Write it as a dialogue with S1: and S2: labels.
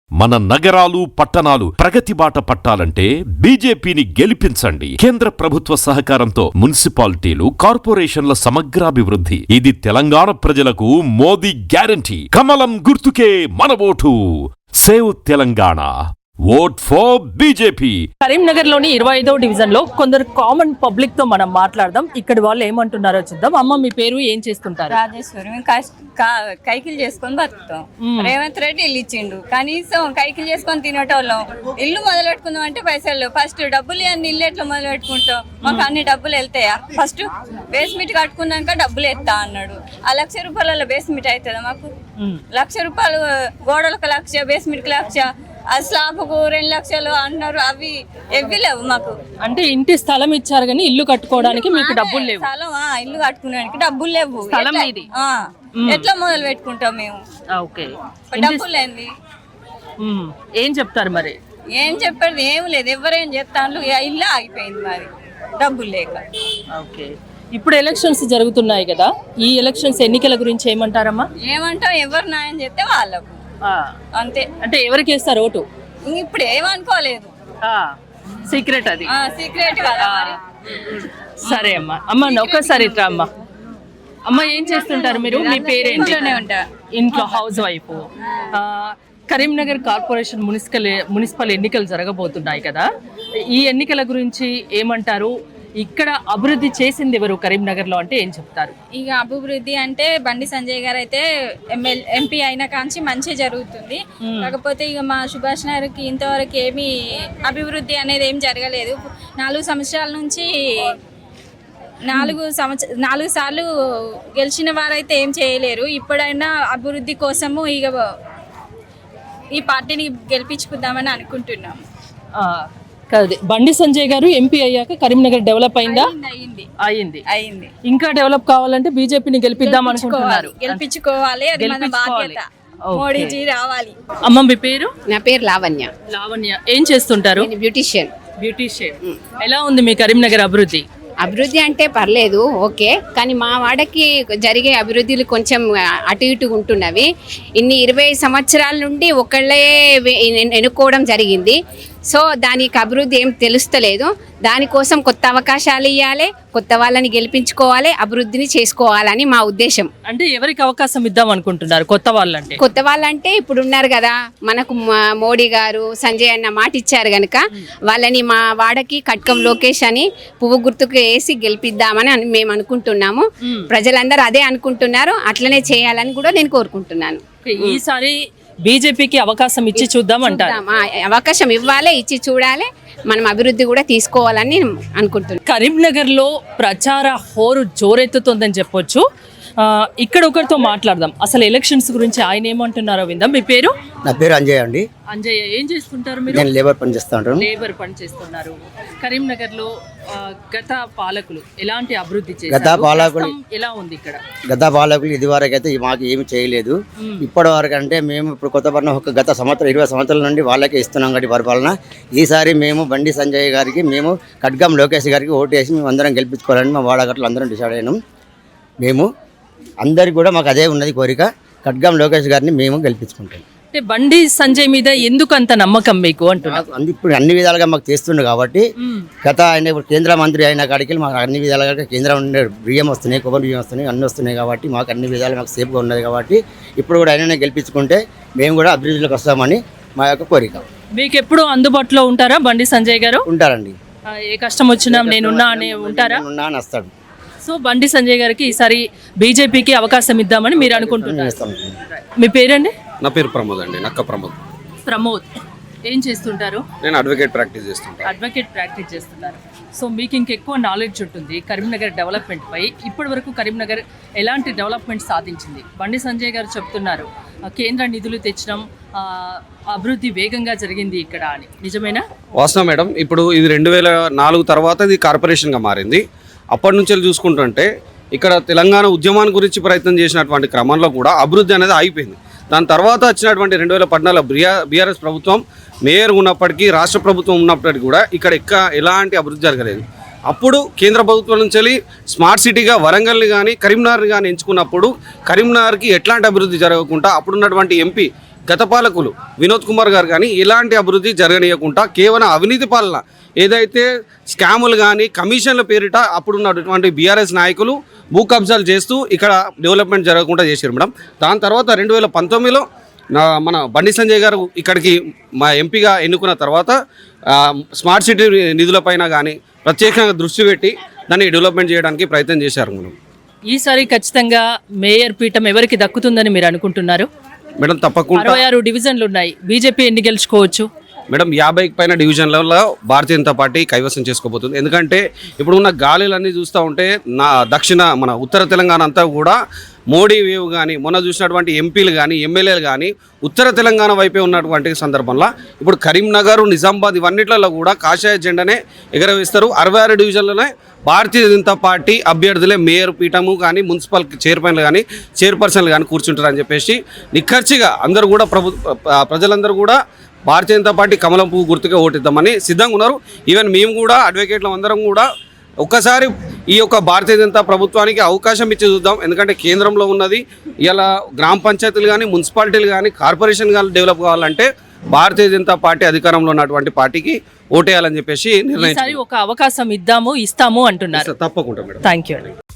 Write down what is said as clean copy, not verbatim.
S1: మన నగరాలు పట్టణాలు ప్రగతి బాట పట్టాలంటే బీజేపీని గెలిపించండి. కేంద్ర ప్రభుత్వ సహకారంతో మున్సిపాలిటీలు, కార్పొరేషన్ల సమగ్రాభివృద్ధి. ఇది తెలంగాణ ప్రజలకు మోదీ గ్యారంటీ. కమలం గుర్తుకే మన vote. Save Telangana. Vote for BJP.
S2: Karimnagar లోని 25వ డివిజన్ లో కొందరు కామన్ పబ్లిక్ తో మనం మాట్లాడదాం. ఇక్కడ వాళ్ళు ఏమంటున్నారో చూద్దాం. అమ్మ, మీ పేరు, ఏం చేస్తుంటారు?
S3: రాజేశ్వరి. మేము కైకిలు చేసుకొని బతుకుతాం. రేవంత్ రెడ్డి ఇల్లు ఇచ్చిండు, కనీసం కైకిలు చేసుకొని తినేటోళ్ళం. ఇల్లు మొదలు పెట్టుకుందాం అంటే పైసలు ఫస్ట్ డబ్బులు అన్ని ఇల్లు ఎట్లా మొదలు పెట్టుకుంటాం? మాకు అన్ని డబ్బులు వెళ్తాయా? ఫస్ట్ బేస్మెంట్ కట్టుకున్నాక డబ్బులు ఎత్తా అన్నాడు. ఆ ₹1,00,000 బేస్మెంట్ అవుతుందా మాకు? ₹1,00,000 గోడలకు 1,00,000, బేస్మెంట్కి 1,00,000, ఆ స్లాబ్కు 2 లక్షలు అంటున్నారు. అవి లేవు మాకు.
S2: అంటే ఇంటి స్థలం ఇచ్చారు కానీ ఇల్లు కట్టుకోవడానికి మీకు డబ్బులు లేవు.
S3: స్థలం ఇల్లు కట్టుకోవడానికి డబ్బులు లేవు.
S2: స్థలం ఇది
S3: ఎట్లా మొదలు పెట్టుకుంటాం మేము?
S2: ఓకే,
S3: డబ్బులు లేని
S2: ఏం చెప్తారు మరి?
S3: ఏం చెప్పేది ఏం లేదు. ఎవరేం చెప్తాను, ఇల్లు ఆగిపోయింది మరి డబ్బులు లేక.
S2: ఓకే, ఇప్పుడు ఎలక్షన్స్ జరుగుతున్నాయి కదా, ఈ ఎలక్షన్స్ ఎన్నికల గురించి ఏమంటారమ్మా?
S3: ఏమంటాం, ఎవరు న్యాయం చేస్తే వాళ్ళకు అంతే.
S2: అంటే ఎవరికి వేస్తారు ఓటు?
S3: ఇప్పుడు ఏమనుకోలేదు,
S2: సీక్రెట్ అది,
S3: సీక్రెట్ కదా మరి.
S2: సరే అమ్మా. అమ్మ ఒక్కసారి ఇట్రా అమ్మా. అమ్మ, ఏం చేస్తుంటారు మీరు? మీ పేరేంటి? ఇంట్లో house wife. Karimnagar corporation municipal ఎన్నికలు జరగబోతున్నాయి కదా, ఈ ఎన్నికల గురించి ఏమంటారు? ఇక్కడ అభివృద్ధి చేసింది ఎవరు కరీంనగర్ లో అంటే ఏం చెప్తారు?
S4: ఇక అభివృద్ధి అంటే బండి సంజయ్ గారు అయితే ఎంపీ అయిన కాంచి మంచి జరుగుతుంది. కాకపోతే ఇక మా సుభాష్ నగర్కి ఇంతవరకు ఏమీ అభివృద్ధి అనేది ఏం జరగలేదు. 4 సంవత్సరాల నుంచి 4 సార్లు గెలిచిన వారైతే ఏం చేయలేరు. ఇప్పుడైనా అభివృద్ధి కోసము ఇక ఈ పార్టీని గెలిపించుకుందామని అనుకుంటున్నాము.
S2: కాదు, బండి సంజయ్ గారు ఎంపీ అయ్యాక కరీంనగర్ డెవలప్ అయిందా? అయింది. ఇంకా డెవలప్ కావాలంటే బీజేపీని గెలిపిద్దాం అనుకుంటున్నారు.
S4: గెలిపించుకోవాలి, అది మన బాధ్యత. మోడీజీ రావాలి.
S2: అమ్మ, మీ పేరు?
S5: నా పేరు లావణ్య.
S2: లావణ్య, ఏం చేస్తుంటారు?
S5: బ్యూటిషియన్.
S2: ఎలా ఉంది మీ కరీంనగర్ అభివృద్ధి?
S5: అభివృద్ధి అంటే పర్లేదు, ఓకే. కానీ మా వాడకి జరిగే అభివృద్ధులు కొంచెం అటు ఇటు ఉంటున్నవి. 20 సంవత్సరాల నుండి ఒకళ్ళే ఎన్నుకోవడం జరిగింది. సో దానికి అభివృద్ధి ఏం తెలుస్తలేదు. దానికోసం కొత్త అవకాశాలు ఇవ్వాలి, కొత్త వాళ్ళని గెలిపించుకోవాలి, అభివృద్ధిని చేసుకోవాలని మా ఉద్దేశం.
S2: అంటే ఎవరికి అవకాశం ఇద్దాం అనుకుంటున్నారు? కొత్త వాళ్ళంటే ఇప్పుడు ఉన్నారు కదా, మనకు మోడీ గారు, సంజయ్ అన్న మాట ఇచ్చారు కనుక వాళ్ళని మా వాడకి కట్కం లోకేష్ అని పువ్వు గుర్తుకు వేసి గెలిపిద్దామని మేము అనుకుంటున్నాము. ప్రజలందరూ అదే అనుకుంటున్నారు, అట్లనే చేయాలని కూడా నేను కోరుకుంటున్నాను. ఈసారి బీజేపీకి అవకాశం ఇచ్చి చూద్దాం అంటారు.
S5: అవకాశం ఇవ్వాలి, ఇచ్చి చూడాలి, మనం అభివృద్ధి కూడా తీసుకోవాలని అనుకుంటున్నాం.
S2: కరీంనగర్ లో ప్రచార హోరు జోరెత్తుతుందని చెప్పొచ్చు. ఇక్కడ ఒకరితో మాట్లాడదాం. అసలు ఎలక్షన్స్ గురించి ఆయన ఏమంటున్నారో విందాం. మీ పేరు?
S6: నా పేరు అంజయ్ అండి.
S2: అంజయ్, ఏం చేస్తుంటారు మీరు?
S6: నేను లేబర్ పని చేస్తాను.
S2: లేబర్ పని చేస్తున్నారు. కరీంనగర్ లో గత పాలకులు ఎలాంటి అభివృద్ధి చేశారు? ఎలా ఉంది ఇక్కడ?
S6: గత పాలకులు ఇది వరకు అయితే మాకు ఏమి చేయలేదు. ఇప్పటి వరకు అంటే మేము ఇప్పుడు కొత్త పడిన ఒక గత సంవత్సరం 20 సంవత్సరాల నుండి వాళ్ళకే ఇస్తున్నాం కాబట్టి పరిపాలన. ఈసారి మేము బండి సంజయ్ గారికి, మేము కట్గం లోకేష్ గారికి ఓటు వేసి మేము అందరం గెలిపించుకోవాలని మా వాడగట్లు అందరం డిసైడ్ అయినాం. మేము అందరికి కూడా మాకు అదే ఉన్నది కోరిక, కట్గం లోకేష్ గారిని మేము గెలిపించుకుంటాం.
S2: అంటే బండి సంజయ్ మీద ఎందుకు అంత నమ్మకం మీకు అంటున్నారు?
S6: ఇప్పుడు అన్ని విధాలుగా మాకు చేస్తుండే కాబట్టి, గత ఆయన ఇప్పుడు కేంద్ర మంత్రి అయిన కాడికి మాకు అన్ని విధాలుగా కేంద్రం ఉండే బియ్యం వస్తున్నాయి, కొబ్బరి బియ్యం వస్తున్నాయి, అన్నీ వస్తున్నాయి కాబట్టి మాకు అన్ని విధాలు మాకు సేఫ్గా ఉన్నది కాబట్టి ఇప్పుడు కూడా ఆయననే గెలిపించుకుంటే మేము కూడా అభివృద్ధిలోకి వస్తామని మా యొక్క కోరిక.
S2: మీకు ఎప్పుడు అందుబాటులో ఉంటారా బండి సంజయ్ గారు?
S6: ఉంటారండి.
S2: ఏ కష్టం వచ్చినా నేనున్నా అని ఉంటారా?
S6: ఉన్నా అని వస్తాడు.
S2: సో బండి సంజయ్ గారికి ఈసారి బీజేపీకి అవకాశం ఇద్దామని మీరు అనుకుంటున్నారు. మీ పేరండి?
S7: నా పేరు ప్రమోద్ అండి, నక్క ప్రమోద్.
S2: ప్రమోద్, ఏం చేస్తుంటారు?
S7: నేను అడ్వకేట్ ప్రాక్టీస్
S2: చేస్తున్నారు. సో మీకు ఇంకెక్కువ నాలెడ్జ్ ఉంటుంది కరీంనగర్ డెవలప్మెంట్ పై. ఇప్పటి వరకు కరీంనగర్ ఎలాంటి డెవలప్మెంట్ సాధించింది? బండి సంజయ్ గారు చెప్తున్నారు కేంద్ర నిధులు తెచ్చడం, అభివృద్ధి వేగంగా జరిగింది ఇక్కడ అని, నిజమేనా?
S7: వాస్తవం మేడం. ఇప్పుడు ఇది 2004 తర్వాత ఇది కార్పొరేషన్గా మారింది. అప్పటి నుంచి చూసుకుంటుంటే ఇక్కడ తెలంగాణ ఉద్యమాన్ని గురించి ప్రయత్నం చేసినటువంటి క్రమంలో కూడా అభివృద్ధి అనేది ఆగిపోయింది. దాని తర్వాత వచ్చినటువంటి 2014 బీఆర్ఎస్ ప్రభుత్వం మేయర్ ఉన్నప్పటికీ, రాష్ట్ర ప్రభుత్వం ఉన్నప్పటికీ కూడా ఇక్కడ ఎలాంటి అభివృద్ధి జరగలేదు. అప్పుడు కేంద్ర ప్రభుత్వం నుంచి స్మార్ట్ సిటీగా వరంగల్ని కానీ కరీంనగర్ని కానీ ఎంచుకున్నప్పుడు కరీంనగర్కి ఎట్లాంటి అభివృద్ధి జరగకుండా అప్పుడున్నటువంటి ఎంపీ గత పాలకులు వినోద్ కుమార్ గారు కానీ ఇలాంటి అభివృద్ధి జరగనీయకుండా కేవలం అవినీతి పాలన ఏదైతే స్కాములు కానీ కమిషన్ల పేరిట అప్పుడున్నటువంటి బీఆర్ఎస్ నాయకులు భూ కబ్జాలు చేస్తూ ఇక్కడ డెవలప్మెంట్ జరగకుండా చేశారు మేడం. దాని తర్వాత 2019లో మన బండి సంజయ్ గారు ఇక్కడికి మా ఎంపీగా ఎన్నుకున్న తర్వాత స్మార్ట్ సిటీ నిధులపైన కానీ ప్రత్యేకంగా దృష్టి పెట్టి దాన్ని డెవలప్మెంట్ చేయడానికి ప్రయత్నం చేశారు మేడం.
S8: ఈసారి ఖచ్చితంగా మేయర్ పీఠం ఎవరికి దక్కుతుందని మీరు అనుకుంటున్నారు?
S7: మేడం తప్పకుండా
S8: 66 డివిజన్లు ఉన్నాయి. బీజేపీ ఎన్ని గెలుచుకోవచ్చు?
S7: మేడం 50కి పైన డివిజన్లలో భారతీయ జనతా పార్టీ కైవసం చేసుకోబోతుంది. ఎందుకంటే ఇప్పుడు ఉన్న గాలిలన్నీ చూస్తూ ఉంటే మన ఉత్తర తెలంగాణ అంతా కూడా మోడీ వేవ్ కానీ మొన్న చూసినటువంటి ఎంపీలు కానీ ఎమ్మెల్యేలు కానీ ఉత్తర తెలంగాణ వైపే ఉన్నటువంటి సందర్భంలో ఇప్పుడు కరీంనగర్, నిజామాబాద్ ఇవన్నిట్లలో కూడా కాషాయ జెండానే ఎగరవేస్తారు. 66 డివిజన్లనే భారతీయ జనతా పార్టీ అభ్యర్థులే మేయర్ పీఠము కానీ మున్సిపల్ చైర్మన్లు కానీ చైర్పర్సన్లు కానీ కూర్చుంటారని చెప్పేసి నిఖర్చిగా అందరూ కూడా ప్రజలందరూ కూడా భారతీయ జనతా పార్టీ కమలం పువ్వు గుర్తుగా ఓటిద్దామని సిద్ధంగా ఉన్నారు. ఈవెన్ మేము కూడా అడ్వకేట్లు అందరం కూడా ఒక్కసారి ఈ యొక్క భారతీయ జనతా ప్రభుత్వానికి అవకాశం ఇచ్చి చూద్దాం. ఎందుకంటే కేంద్రంలో ఉన్నది ఇలా గ్రామ పంచాయతీలు కానీ మున్సిపాలిటీలు కానీ కార్పొరేషన్ కానీ డెవలప్ కావాలంటే భారతీయ జనతా పార్టీ అధికారంలో ఉన్నటువంటి పార్టీకి ఓటేయాలని చెప్పేసి నిర్ణయించారు.
S8: ఒక అవకాశం ఇస్తాము అంటున్నారు.
S7: తప్పకుండా మేడం.
S8: Thank you.